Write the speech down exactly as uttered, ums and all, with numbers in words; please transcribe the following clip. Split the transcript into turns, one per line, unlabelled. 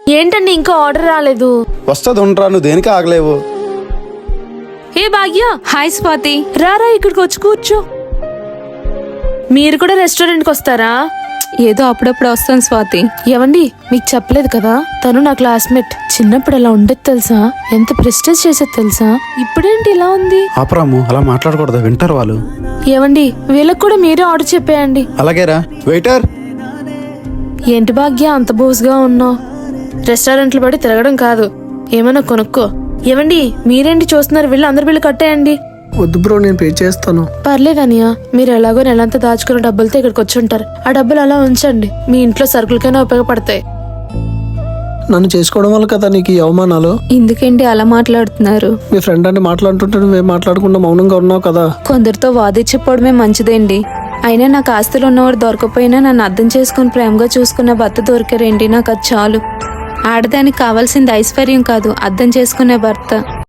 ఏంటండి ఇంకా ఆర్డర్ రాలేదు?
వస్తుంది ఉండరా, నువ్వు దేనికి ఆగలేవు.
ఏ భాగ్య,
హాయ్ స్వాతి.
రారా ఇక్కడికి వచ్చి కూర్చో. మీరు కూడా రెస్టారెంట్కి వస్తారా?
ఏదో అప్పుడప్పుడు వస్తాను స్వాతి.
ఏవండి, మీకు చెప్పలేదు కదా, తను నా క్లాస్మేట్. చిన్నప్పుడు ఎలా ఉండేది తెలుసా? ఎంత ప్రెస్టేజ్ చేసేది తెలుసా? ఇప్పుడేంటి ఇలా ఉంది?
ఆపరాము, అలా మాట్లాడకూడదు, వింటారు వాళ్ళు.
ఏవండి, వీళ్ళకి కూడా మీరే ఆర్డర్ చెప్పేయండి.
అలాగేరా. వెయిటర్.
ఏంటి భాగ్య అంత బోస్గా ఉన్నావు? రెస్టారెంట్లు పడి తిరగడం కాదు, ఏమైనా కొనుక్కో. ఏవండి, మీరేంటి చూస్తున్నారు? వీళ్ళు అందరు బిల్లు కట్టేయండి.
వద్దు బ్రో, నేను పే చేస్తాను.
పర్లేదనియా, మీరు ఎలాగో నెలంతా దాచుకున్న డబ్బులతో ఇక్కడికి వచ్చి ఉంటారు. ఆ డబ్బులు అలా ఉంచండి, మీ ఇంట్లో సరుకులకైనా ఉపయోగపడతాయి.
నన్ను చేసుకోవడం వల్ల కదా నీకు ఈ అవమానాలు.
ఎందుకండి అలా మాట్లాడుతున్నారు?
మీ ఫ్రెండ్ అని మాట్లాడుతుంటే నువ్వేం మాట్లాడకుండా మౌనంగా ఉన్నావు కదా.
కొందరితో వాదించిపోవడమే మంచిదండి. అయినా నాకు ఆస్తులు ఉన్నవాడు దొరకపోయినా నన్ను అర్థం చేసుకుని ప్రేమగా చూసుకున్న భర్త దొరికారండి, నాకు అది చాలు. ఆడదానికి కావాల్సింది ఐశ్వర్యం కాదు, అర్థం చేసుకునే భర్త.